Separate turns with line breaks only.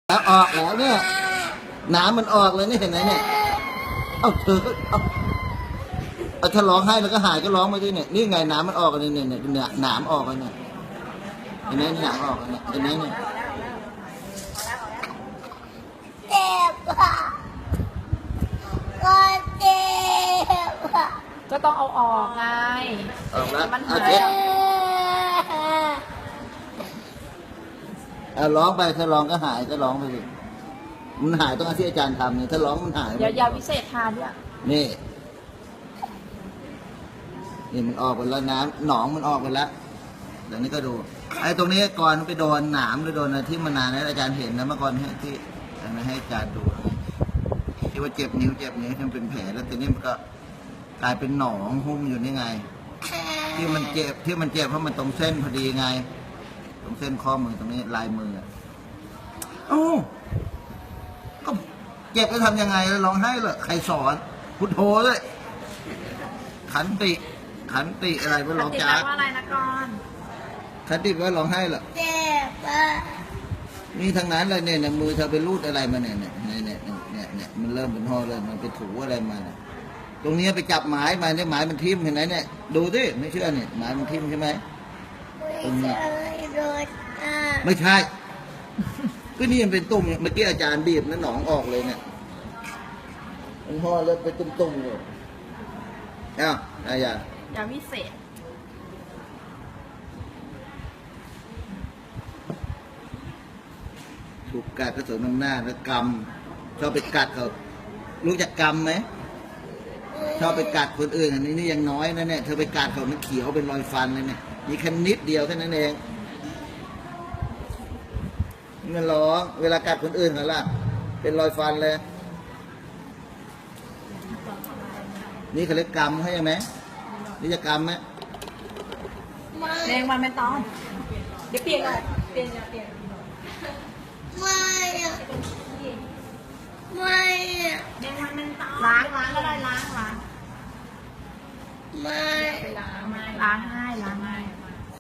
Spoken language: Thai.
แล้วออกแล้วเนี่ยน้ำมันออกเลยนี่เห็นไหมเนี่ยเอาเธอก็เอาถ้าร้องให้แล้วก็หายก็ร้องมาด้วยเนี่ยนี่ไงน้ำมันออกเลยเนี่ยน้ำออกเลยเนี่ยเห็นไหมน้ำออกเลยเนี่ยเห็นไหมเนี่ย
เจ็บอ่ะก็เจ็บอ่ะ
ก็ต้องเอาออกไง
ออกแล้ว
มันหา
เอา
ย
เช็ดเอาร้องไปถ้าร้องก็หายก็ร้องไปสิมันหายต้องเอาที่อาจารย์ทำเนี่ยถ้าร้องมันหาย
เดี๋ยวยาวิเศษทานด้วย
นี่มันออกไปแล้วน้ำหนองมันออกไปแล้วเดี๋ยวนี้ก็ดูไอ้ตรงนี้ก่อนไปโดนหนามหรือโดนอะไรที่มานานแล้วอาจารย์เห็นนะเมื่อก่อนที่ให้อาจารย์ดูที่ว่าเจ็บนิ้วที่มันเป็นแผลแล้วทีนี้มันก็กลายเป็นหนองหุ้มอยู่นี่ไงที่มันเจ็บเพราะมันตรงเส้นพอดีไงตรงเส้นข้อมือตรงนี้ลายมือโอ้ก็เจ็บจะทำยังไงแล้วร้องไห้เหรอใครสอนพุทโธเลยขันติอะไรว่าร้องจ้า
ว่าอะไรนะก่อน
ขันติว่าร้องไห้เหรอ
เจ็บอ่ะ
นี่ทั้งนั้นเลยเนี่ยมือเธอไปรูดอะไรมาเนี่ยมันเริ่มเป็นห่อเลยมันไปถูอะไรมาเนี่ยตรงนี้ไปจับหมายมาเนี่ยหมายมันทิ่มเห็นไหมเนี่ยดูดิไม่เชื่อเนี่ยหมายมันทิ่มใช่ไหมตรงนี้
โดนอ่ะ
ไม่ใช่ก็นี่มันเป็นตุ่มเมื่อกี้อาจารย์บีบแล้วหนองออกเลยเนี่ยมันห่อเลยเป็นตุ่มๆเลยอ้าวอะไรอย่าง
ยาวิเศษ
ถูกกัดกระสุนน้ำหน้าแล้วกำชอบไปกัดเขารู้จักกำไหมชอบไปกัดคนอื่นอันนี้นี่ยังน้อยนะเนี่ยเธอไปกัดเขามันเขียวเป็นรอยฟันเลยเนี่ยมีแค่นิดเดียวแค่นั้นเองมันร้องเวลากัดคนอื่นเขาล่ะเป็นรอยฟันเลยนี่เขาเรียกกำใช่ไหมนี่จะกำไหม
ไม่
แรงมันไม่ต้องเดี๋ยวเปลี่ยนเลยเปลี่ยน
ไม่อ่ะไม่อ่ะ
แรงมันไม่ต้องล้างก็ได้ล้าง
ไม่
ล้างให้